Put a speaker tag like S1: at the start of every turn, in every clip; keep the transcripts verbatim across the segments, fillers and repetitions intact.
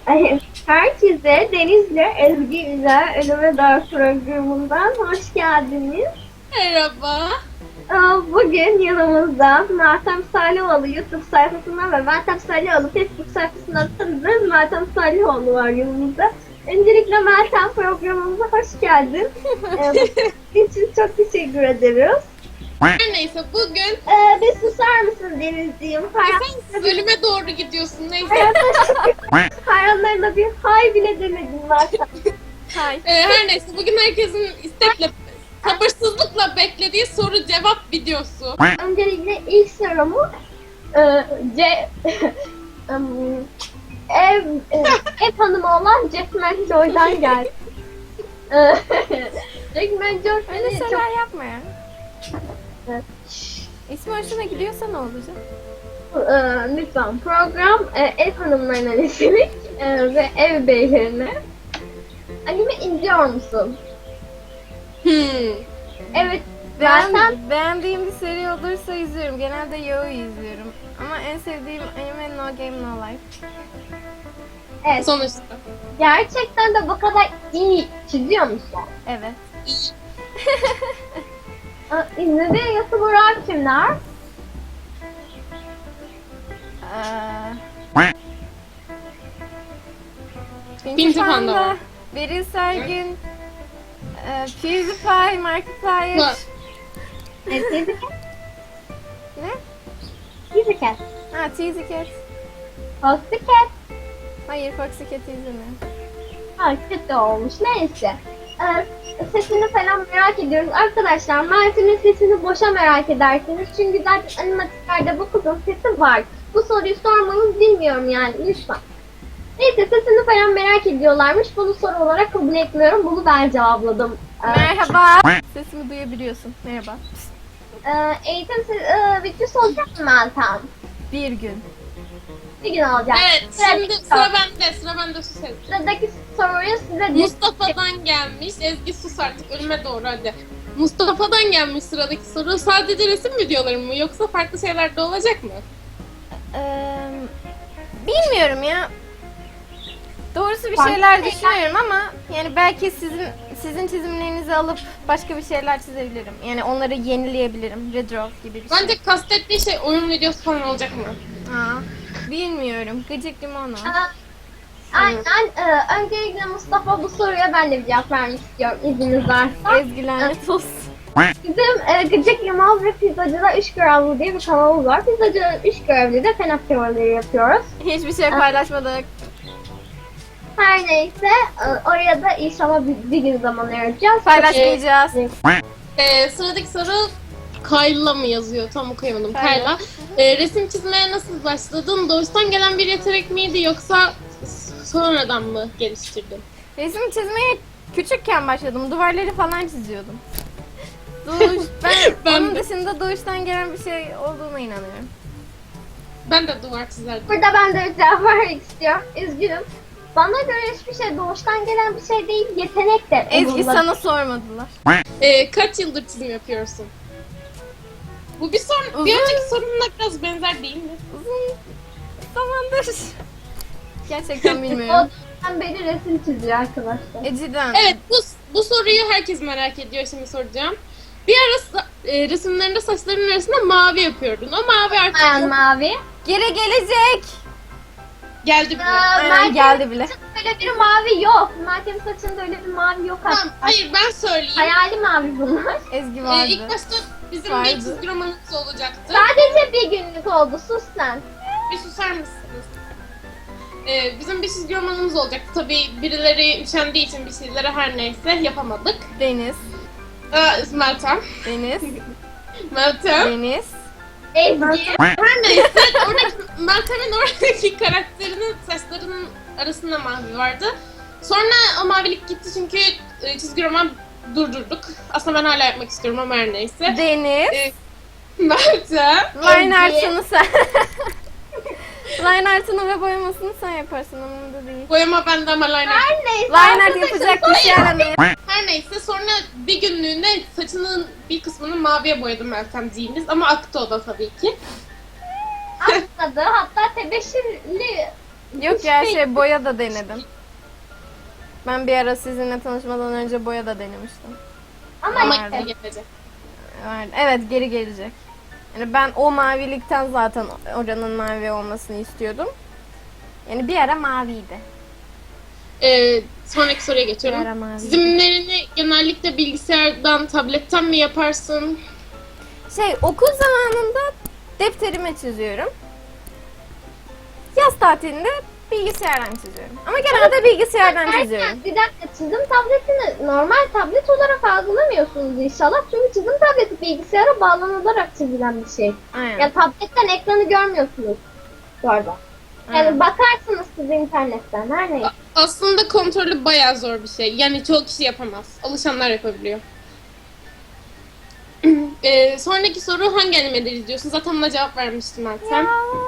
S1: Herkese Deniz'le Ezgi ile Elime Dağ programından hoş geldiniz.
S2: Merhaba.
S1: Bugün yanımızda Meltem Salihoğlu YouTube sayfasından ve Meltem Salihoğlu Facebook sayfasından tanıdığınız Meltem Salihoğlu var yanımızda. Öncelikle Meltem programımıza hoş geldin. Bunun için çok teşekkür ederiz.
S2: Her neyse bugün
S1: Ee, bir susar mısın Denizciğim?
S2: sen ölüme doğru gidiyorsun neyse.
S1: Hayranlarına bir hay bile demedin Meltem.
S2: Hay. Ee, her neyse bugün herkesin istekle, sabırsızlıkla beklediği soru cevap videosu.
S1: Öncelikle ilk sorumu e, C em, ev e, ev hanımı olan Jackman Joy'dan geldi. E, Jackman Joy
S3: Öyle
S1: beni
S3: şeyler
S1: çok
S3: yapma ya.
S1: e,
S3: İsmi hoşuna gidiyorsa ne olacak?
S1: e, lütfen program e, ev hanımlarına nitelik e, ve ev beylerine. Anime izliyor musun?
S2: Hmm.
S1: Evet.
S3: Ben
S1: Zaten
S3: beğendiğim bir seri olursa izliyorum. Genelde Yaoi izliyorum. Ama en sevdiğim anime No Game No Life.
S1: evet,
S2: Sonuçta.
S1: gerçekten de bu kadar iyi çiziyor musun?
S3: Evet.
S1: E, İzlediğin YouTuber'lar kimler?
S3: Ee, Pinky
S2: Pinky Panda var.
S3: Beril Sergin, e, PewDiePie, Markiplier.
S2: Var.
S1: E, Teaser Cat?
S3: Ne?
S1: Teaser Cat.
S3: Ha, Teasy Cat.
S1: Foxy Cat.
S3: Hayır, Foxy Cat'i izlemiyorum.
S1: Ha, kötü olmuş. Neyse. Ee, sesini falan merak ediyoruz. Arkadaşlar Mert'in sesini boşa merak edersiniz. Çünkü zaten animatiklerde bu kızın sesi var. Bu soruyu sormanız bilmiyorum yani lütfen. Neyse sesini falan merak ediyorlarmış. Bunu soru olarak kabul etmiyorum. Bunu ben cevapladım. Ee,
S3: Merhaba. Sesimi duyabiliyorsun. Merhaba.
S1: e, eğitim se- e, videosu olacak mı Meltem?
S3: Bir gün.
S1: Bir gün olacak.
S2: Evet şimdi
S1: Sıradaki
S2: sıra
S1: soru.
S2: bende sıra bende sus Ezgi.
S1: Sıradaki soruyu size
S2: Mustafa'dan gelmiş. Ezgi sus artık ölüme doğru hadi. Mustafa'dan gelmiş sıradaki soru. Sadece resim videoları mı yoksa farklı şeyler de olacak mı?
S3: Ee, bilmiyorum ya. Doğrusu bir
S1: Farklı
S3: şeyler
S1: şeyler-
S3: düşünüyorum ama yani belki sizin sizin çizimlerinizi alıp başka bir şeyler çizebilirim. Yani onları yenileyebilirim. Redraw gibi bir şey.
S2: Bence kastettiği şey oyun videosu falan olacak mı?
S3: Aa, bilmiyorum. Gıcık limonu.
S1: Aa, Aynen. Ee, öncelikle Mustafa bu soruya ben de bir cevap vermek istiyorum izniniz varsa.
S3: Ezgi lanet olsun.
S1: Bizim e, Gıcık Limon ve Pizzacıda Üç Görevli diye bir kanalımız var. Pizzacıda Üç Görevli de fen aktiviteleri yapıyoruz.
S3: Hiçbir şey paylaşmadık.
S1: Her neyse e, oraya da inşallah bir, bir gün zaman ayıracağız.
S3: Paylaşmayacağız.
S2: Ee, sıradaki soru Kayla mı yazıyor? Tam okuyamadım.
S3: Kayla.
S2: Kayla. Ee, resim çizmeye nasıl başladın? Doğuştan gelen bir yetenek miydi yoksa s- sonradan mı geliştirdin?
S3: Resim çizmeye küçükken başladım. Duvarları falan çiziyordum. Doğuş, ben,
S2: Ben
S3: onun
S2: de.
S3: dışında doğuştan gelen bir şey olduğuna inanıyorum.
S2: Ben de duvar çizerdim.
S1: Burada ben de bir cevap vermek istiyorum. Üzgünüm. Bana göre hiçbir şey doğuştan gelen bir şey değil, yetenek de.
S3: Ezgi
S1: onunla-
S3: sana sormadılar.
S2: Ee, kaç yıldır çizim yapıyorsun? Bu bir son, bir
S3: Uzun.
S2: önceki sorunla biraz benzer değil mi?
S3: Uzun zamandır. Gerçekten bilmiyorum.
S1: O beri resim çiziyor arkadaşlar.
S3: E cidden.
S2: Evet, bu, bu soruyu herkes merak ediyor. Şimdi soracağım. Bir ara sa- e, resimlerinde saçlarının arasında mavi yapıyordun. O mavi artık
S1: Ayan
S2: yok.
S1: mavi.
S3: Geri gelecek.
S2: Geldi bile.
S1: Aa,
S3: Aynen,
S1: Mert'in
S3: geldi bile.
S1: saçında öyle bir mavi yok. Mert'in saçında öyle bir mavi yok
S2: Tamam,
S1: aslında.
S2: hayır ben söyleyeyim.
S1: Hayali mavi bunlar.
S3: Ezgi
S2: Ee,
S3: vardı.
S2: ilk başta bizim
S3: Vardı.
S2: bir çizgi romanımız olacaktı.
S1: Sadece bir günlük oldu. Sus sen.
S2: Bir susar mısınız? Ee, bizim bir çizgi romanımız olacaktı. Tabii birileri üşendiği için bir şeylere her neyse yapamadık.
S3: Deniz.
S2: Ee, Meltem.
S3: Deniz.
S2: Meltem.
S3: Deniz.
S1: Ezgi.
S2: Her neyse oradaki Meltem'in oradaki karakterinin saçlarının arasında mavi vardı. Sonra o mavilik gitti çünkü e, çizgi roman durdurduk. Aslında ben hala yapmak istiyorum ama her neyse.
S3: Deniz.
S2: Ee, Meltem.
S3: Line
S1: Ezgi.
S3: art'ını sen. Line art'ını ve boyamasını sen yaparsın umurumda değil.
S2: Boyama bende ama liner.
S1: Her neyse.
S3: Line art
S1: arkadaşlar,
S3: yapacak bir şey aramıyor.
S2: Her neyse sonra bir günlüğüne saçının bir kısmını maviye boyadım Meltemciğimiz ama aktı o da tabii ki.
S1: Atladı. Hatta tebeşirli
S3: Yok ya şey boya da denedim. Ben bir ara sizinle tanışmadan önce boya da denemiştim.
S1: Ama
S2: Ama
S3: Nerede?
S2: geri gelecek.
S3: Vardı. Evet geri gelecek. Yani ben o mavilikten zaten oranın mavi olmasını istiyordum. Yani bir ara maviydi.
S2: Ee, sonraki soruya
S3: Bir ara
S2: geçiyorum.
S3: maviydi.
S2: Çizimlerini genellikle bilgisayardan, tabletten mi yaparsın?
S3: Şey okul zamanında defterime çiziyorum. Yaz tatilinde bilgisayardan çiziyorum. Ama genelde bilgisayardan çiziyorum.
S1: Bir dakika, çizim tabletini normal tablet olarak algılamıyorsunuz inşallah. Çünkü çizim tableti bilgisayara bağlanılarak çizilen bir şey.
S3: Aynen.
S1: Ya tabletten ekranı görmüyorsunuz bu arada. Yani
S3: Aynen.
S1: bakarsınız siz internetten, her neyse.
S2: Aslında kontrolü bayağı zor bir şey. Yani çoğu kişi yapamaz. Alışanlar yapabiliyor. ee, sonraki soru hangi animeleri izliyorsun? Zaten buna cevap vermiştin ben. Sen?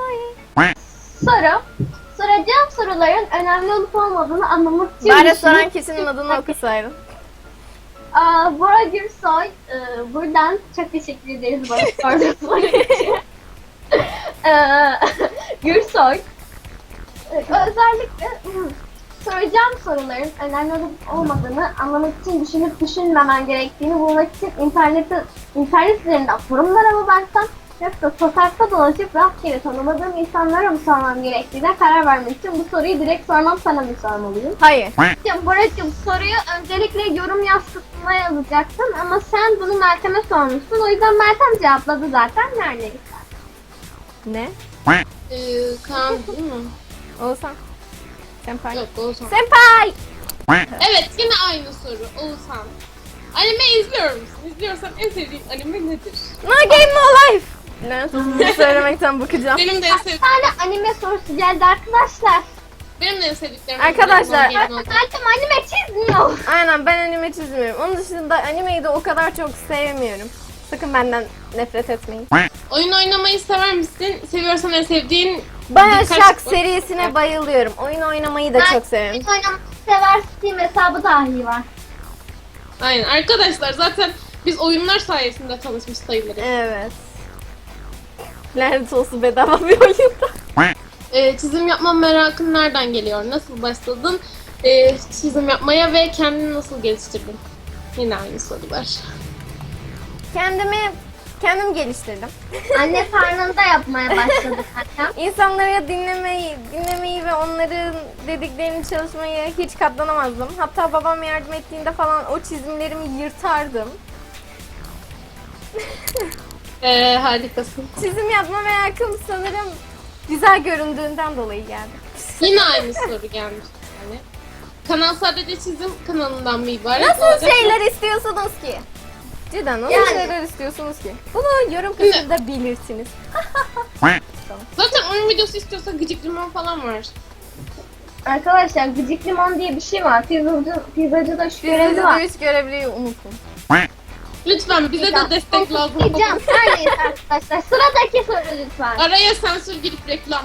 S1: Soru. Soracağım soruların önemli olup olmadığını anlamak için...
S3: Bari
S1: düşünün.
S3: soran kişinin adını okusaydın.
S1: Aa, Bora Gürsoy, e, buradan çok teşekkür ederiz bana sorduğu soru için. Ee, Gürsoy, e, özellikle hmm, soracağım soruların önemli olup olmadığını anlamak için düşünüp düşünmemen gerektiğini bulmak için internette, internet üzerinden forumlara mı baksam yoksa sokakta dolaşıp rastgele tanımadığım insanlara mı sormam gerektiğine karar vermek için bu soruyu direkt sormam, sana mı sormalıyım?
S3: Hayır.
S1: Ya Boracığım, soruyu öncelikle yorum yaz kısmına yazacaktın ama sen bunu Meltem'e sormuşsun. O yüzden Meltem cevapladı zaten, neredeyse.
S3: Ne?
S2: Ee, Kaan değil mi?
S3: Oğuzhan. Senpai.
S2: Yok, Oğuzhan.
S3: Senpai!
S2: Evet, yine aynı soru. Oğuzhan. Anime izliyor musun? İzliyorsan en sevdiğin anime nedir?
S3: No game no life! Lanet olsun, bunu söylemekten bakacağım.
S2: Benim de en
S1: Bir
S2: sevdiğim...
S1: tane anime sorusu geldi arkadaşlar.
S2: Benim de en sevdiklerim...
S3: Arkadaşlar-
S1: Meltem anime çizmiyor.
S3: Aynen ben anime çizmiyorum. Onun dışında animeyi de o kadar çok sevmiyorum. Sakın benden nefret etmeyin.
S2: Oyun oynamayı sever misin? Seviyorsan en sevdiğin...
S3: Bioshock
S2: birkaç-
S3: serisine bayılıyorum. Oyun oynamayı da çok severim.
S1: Oyun oynamayı sever, Steam hesabı dahi var.
S2: Aynen. Arkadaşlar zaten biz oyunlar sayesinde tanışmış sayılırız.
S3: Evet. Lanet olsun bedava bir oyunda.
S2: Ee, çizim yapma merakın nereden geliyor? Nasıl başladın ee, çizim yapmaya ve kendini nasıl geliştirdin? Yine aynı sorular.
S3: Kendimi kendim geliştirdim.
S1: Anne karnında yapmaya başladık hatta.
S3: İnsanları dinlemeyi, dinlemeyi ve onların dediklerini çalışmayı hiç katlanamazdım. Hatta babam yardım ettiğinde falan o çizimlerimi yırtardım.
S2: Ee, harikasın.
S3: Çizim yapma merakım sanırım güzel göründüğünden dolayı geldi.
S2: Yine aynı soru gelmiş yani. Kanal sadece çizim kanalından mı ibaret?
S3: Nasıl
S2: olacak?
S3: şeyler istiyorsunuz ki? Cidden nasıl
S1: Yani-
S3: şeyler istiyorsunuz ki? Bunu yorum kısmında belirtiniz.
S2: Zaten oyun videosu istiyorsa gıcık limon falan var.
S1: Arkadaşlar gıcık limon diye bir şey var. Pizzacı, pizzacıda şu görevi
S3: Birinci
S1: var.
S3: dövüş görevliyi unutun.
S2: Lütfen bize de destek lazım.
S1: Diyeceğim. Her neyse arkadaşlar. Sıradaki soru lütfen.
S2: Araya sansür girip reklam.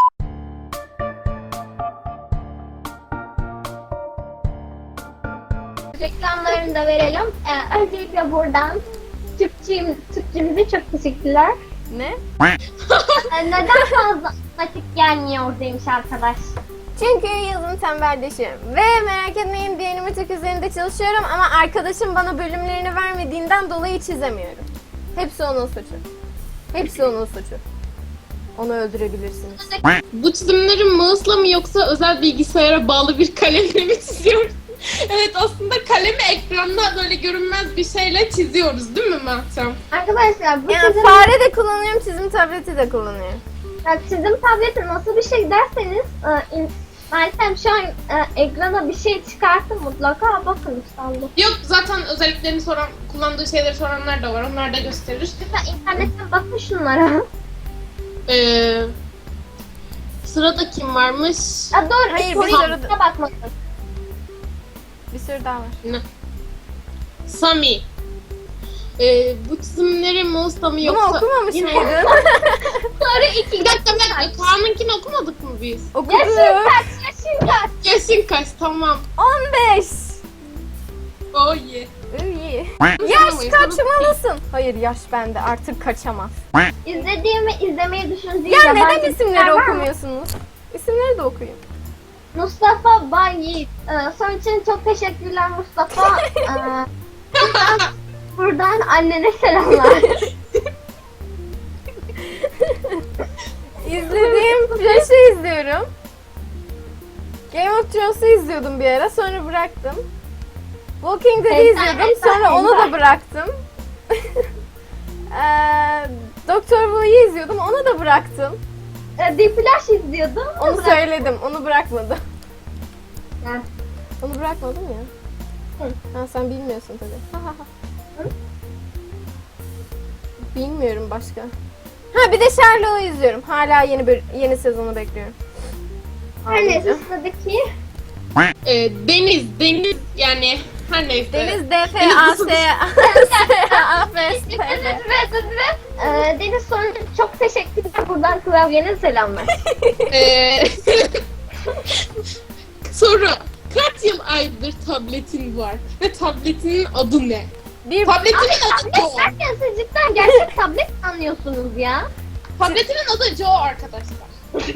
S1: Reklamlarını da verelim. Ee, öncelikle buradan Türkçemiz, Türkçemize çok teşekkürler.
S3: Ne?
S1: Ee, neden fazla vakit gelmiyor demiş arkadaş.
S3: Çünkü yazın tembelleşiyorum. Ve merak etmeyin bir animatik üzerinde çalışıyorum ama arkadaşım bana bölümlerini vermediğinden dolayı çizemiyorum. Hepsi onun suçu. Hepsi onun suçu. Onu öldürebilirsiniz.
S2: Bu çizimleri mouse'la mı yoksa özel bilgisayara bağlı bir kalemle mi çiziyoruz? Evet, aslında kalemi ekranda böyle görünmez bir şeyle çiziyoruz değil mi Meltem?
S1: Arkadaşlar bu
S3: Yani
S1: çizim,
S3: fare de kullanıyorum, çizim tableti de kullanıyorum.
S1: yani çizim tableti nasıl bir şey derseniz e, in- Meltem şu an e, ekrana bir şey çıkarttı mutlaka, bakın İstanbul.
S2: Yok, zaten özelliklerini soran, kullandığı şeyleri soranlar da var. Onlar da gösterir.
S1: Lütfen internetten bakın şunlara.
S2: Ee, sırada kim varmış?
S1: Ya doğru,
S3: Hayır,
S1: soruyu
S3: bir soru-
S1: da bakmasın.
S3: Bir sürü daha var.
S2: Ne? Sami. Ee, bu çizimleri mouse'la mı
S3: Bunu
S2: yoksa...
S3: okumamış
S2: Yine-
S3: mıydın?
S1: Soru iki.
S2: Bir dakika, bir dakika. Kaan'ınkini okumadık mı biz?
S3: Okudum.
S1: Yaşın kaç, yaşın kaç?
S2: Yaşın kaç? Tamam.
S3: on beş.
S2: Oh yeah.
S3: İyi. Yaş kaçmalısın. Hayır yaş bende artık kaçamaz.
S1: İzlediğimi izlemeyi düşündüğüm
S3: Ya
S1: yabancı
S3: neden isimleri
S1: diziler var mı?
S3: okumuyorsunuz? İsimleri de okuyayım.
S1: Mustafa Bay Yiğit. Ee, son için çok teşekkürler Mustafa. Ee, buradan, buradan annene selamlar.
S3: İzlediğim Flash'ı izliyorum. Game of Thrones'u izliyordum bir ara, sonra bıraktım. Walking Dead'i
S1: Enter,
S3: izliyordum,
S1: enter,
S3: sonra onu da
S1: enter.
S3: bıraktım. ee, Doktor Who'yu izliyordum, onu da bıraktım.
S1: Ee, The Flash izliyordum.
S3: Onu
S1: Bırak-
S3: söyledim, onu bırakmadım.
S1: Ha.
S3: Onu bırakmadım ya.
S1: Hı.
S3: Ha, sen bilmiyorsun tabii. Ha, ha, ha.
S1: Hı?
S3: Bilmiyorum başka. Ha, bir de Sherlock'u izliyorum. Hala yeni böl- yeni sezonu bekliyorum.
S1: Her neyse
S3: Ağlayacağım.
S1: sıradaki.
S2: Ee, Deniz, Deniz yani her neyse.
S3: Deniz D F A S A F S T
S1: Evet, evet, evet. Ee, Deniz son çok teşekkürler. Buradan klavyene selamlar.
S2: Ee, Sonra kaç yıl aydır tabletin var ve tabletinin adı ne?
S3: Bir
S2: Tabletinin adı
S1: Tablet
S2: Joe.
S1: derken siz cidden gerçek tablet anlıyorsunuz ya.
S2: Tabletinin adı Joe arkadaşlar.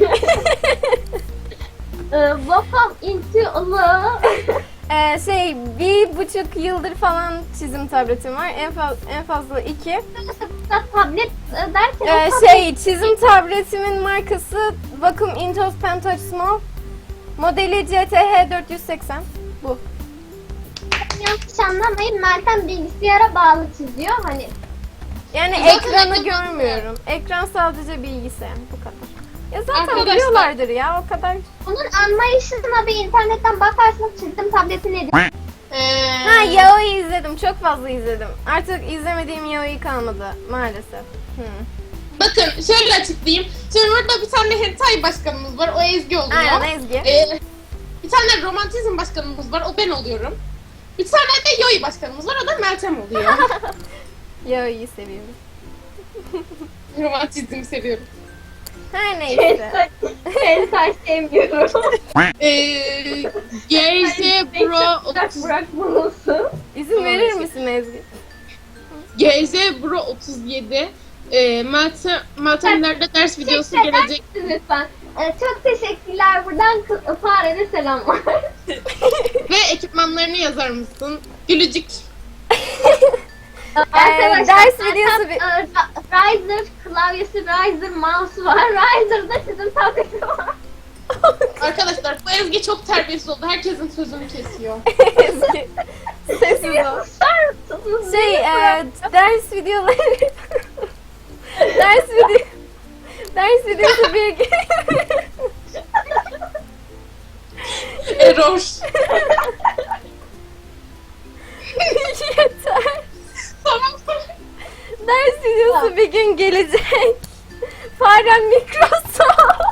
S1: Ee, Wacom into Allah.
S3: Ee, şey bir buçuk yıldır falan çizim tabletim var. En fazla en fazla iki.
S1: Tablet e, derken
S3: Ee,
S1: o tablet
S3: şey çizim tabletimin markası Wacom Intos Pentouch Small. Modeli C T H dört yüz seksen. Bu.
S1: yanlış anlamayın. Meltem bilgisayara bağlı çiziyor. Hani
S3: Yani
S2: Zaten
S3: ekranı
S2: ekran-
S3: görmüyorum. Ekran sadece bilgisayar. Bu kadar. Ya zaten
S2: Arkadaşlar-
S3: biliyorlardır ya, o kadar.
S1: bunun anlayışına bir internetten bakarsanız çizdim tableti nedir?
S2: Ee,
S3: Ha, Yao'yu izledim. Çok fazla izledim. Artık izlemediğim Yao'yu kalmadı maalesef. Hı.
S2: Bakın şöyle açıklayayım. Şimdi burada bir tane hentai başkanımız var. O Ezgi oluyor.
S3: Aynen, Ezgi.
S2: Ee, bir tane romantizm başkanımız var. O ben oluyorum. Bir tane de yoi başkanımız var. O da Meltem oluyor.
S3: Yao'yu seviyorum.
S2: Romantizmi seviyorum.
S3: Her neyse.
S1: Hentai sevmiyorum.
S2: Ee, G J Bro otuz
S1: Bırakmalısın.
S3: İzin
S2: Tamam,
S3: verir
S2: Ezgi.
S3: misin Ezgi?
S2: G J Bro otuz yedi ee, Meltem, Meltem ileride ders videosu
S1: Teşekkür eder
S2: gelecek.
S1: misiniz lütfen? Ee, çok teşekkürler. Buradan kı- farene selamlar.
S2: Ve ekipmanlarını yazar mısın? Gülücük.
S1: Arkadaşlar
S3: ders
S1: zaten,
S3: videosu bir-
S1: e, Ra- Riser klavyesi, Riser mouse'u var. Riser'da sizin tableti var.
S2: Arkadaşlar bu Ezgi çok terbiyesiz oldu. Herkesin sözünü kesiyor.
S3: Ezgi. Sessiz ol.
S1: Susar mısınız?
S3: Şey,
S1: Beni
S3: e,
S1: bırak-
S3: ders videoları... ders video... Ders videosu bir...
S2: Error.
S3: Yeter.
S2: Tamam.
S3: Ders videosu bir gün gelecek. Farem Microsoft.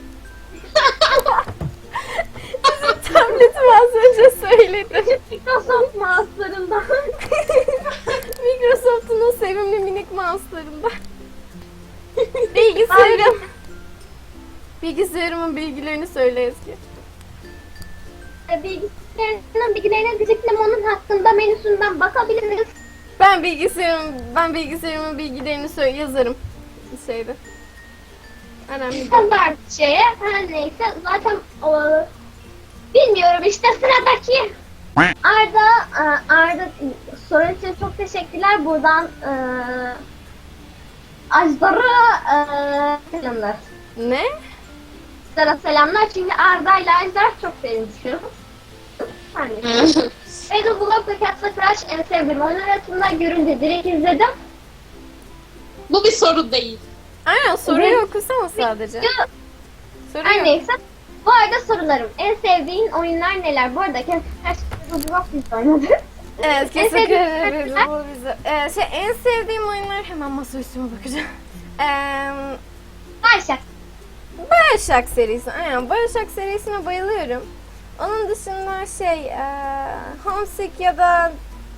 S3: Bizim tabletim az önce söyledim.
S1: Microsoft mouse'larından.
S3: Microsoft'un o sevimli minik mouse'larından. Bilgisayarım. Bilgisayarımın bilgilerini söyle Ezgi.
S1: E, Bilgisayarının bilgilerine diyecektim, onun hakkında menüsünden bakabiliriz.
S3: Ben bilgisayarım, ben bilgisayarımın bilgilerini söyle yazarım. Şeyde. Önemli değil.
S1: Standart şeye her neyse zaten o, bilmiyorum işte sıradaki. Arda e, Arda sorun için çok teşekkürler. Buradan e, Ajdar'a e, selamlar.
S3: Ne?
S1: Ajdar'a selamlar çünkü Arda ile Ajdar çok benziyor. Hani. Edu Blog ve Cat's Crash en sevdiğim oyun arasında görünce direkt izledim.
S2: Bu bir soru değil.
S3: Aynen, soruyu
S1: Evet.
S3: okusana sadece.
S1: Video-
S3: Soru
S1: Her
S3: yok.
S1: neyse. Bu arada sorularım. En sevdiğin oyunlar neler? Bu arada Cat's Crash Edu Blog biz oynadık.
S3: Evet,
S1: En
S3: kesin
S1: sevdiğin
S3: evet,
S1: oyunlar-
S3: bu bize. Ee, şey, en sevdiğim oyunlar, hemen masa üstüme bakacağım. Ee,
S1: Başak.
S3: Bioshock serisi. Aynen, Bioshock serisine bayılıyorum. Onun dışında şey, ee, Homesick ya da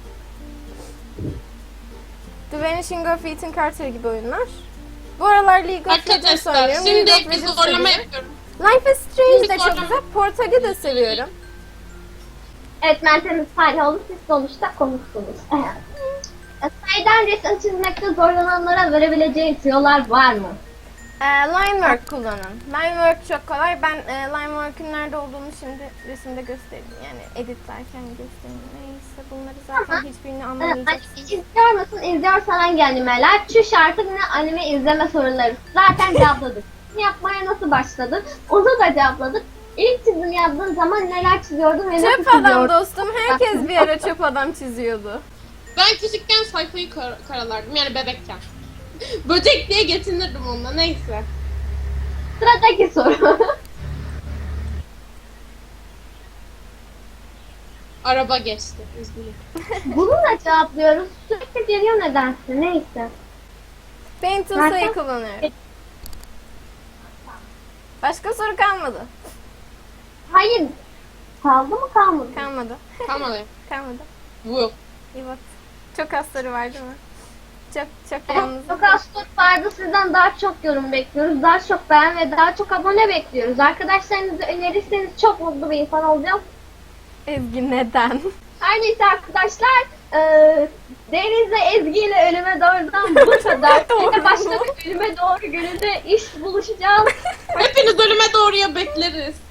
S3: The Vanishing of Ethan Carter gibi oyunlar. Bu aralar League of Legends
S2: Arkadaşlar
S3: oynuyorum.
S2: şimdi
S3: League of
S2: bir
S3: Legends
S2: zorlama
S3: seviyorum.
S2: yapıyorum.
S3: Life is Strange
S2: Şimdi
S3: de çok
S2: zorlama-
S3: güzel. Portal'i de seviyorum.
S1: Evet, Meltem'in tarih oldu. Siz sonuçta konuştunuz. Saydan resim çizmekte zorlananlara verebileceğin tüyolar var mı?
S3: Ee, Linework kullanın. Linework çok kolay. Ben e, Linework'ün nerede olduğunu şimdi resimde göstereyim. Yani editlerken göstereyim. Neyse bunları zaten
S1: Ama,
S3: hiçbirini
S1: Ee,
S3: anlamayacaksınız.
S1: İzliyor musun? İzliyorsan hangi animeler? Şu şarkı ne anime izleme soruları. Zaten cevapladık. Yapmaya nasıl başladın? Onu da cevapladık. İlk çizim yaptığın zaman neler çiziyordun ve nasıl
S3: Çöp adam
S1: çiziyordun?
S3: dostum. Herkes bir ara çöp adam çiziyordu.
S2: Ben küçükken sayfayı kar- karalardım yani bebekken. Böcek diye getinirdim onunla neyse.
S1: Sıradaki soru.
S2: Araba geçti. Üzgünüm.
S1: Bununla cevaplıyoruz. Sürekli geliyor nedense. Neyse.
S3: Paint
S1: Zaten-
S3: Tools'u kullanıyorum. Başka soru kalmadı.
S1: Hayır. Kaldı mı kalmadı?
S3: Kalmadı.
S2: Kalmadı.
S3: Kalmadı.
S2: Bu.
S3: Evet. Çok az soru var değil mi? Çok çok
S1: Evet,
S3: yalnız.
S1: çok az soru vardı. Sizden daha çok yorum bekliyoruz. Daha çok beğen ve daha çok abone bekliyoruz. Arkadaşlarınızı önerirseniz çok mutlu bir insan olacağım.
S3: Ezgi neden?
S1: Her neyse arkadaşlar. eee Deniz'le Ezgi ile ölüme doğrudan bu kadar.
S3: Doğru.
S1: Yine başka bir ölüme doğru gününde iş buluşacağız.
S2: Hepiniz ölüme doğruya bekleriz.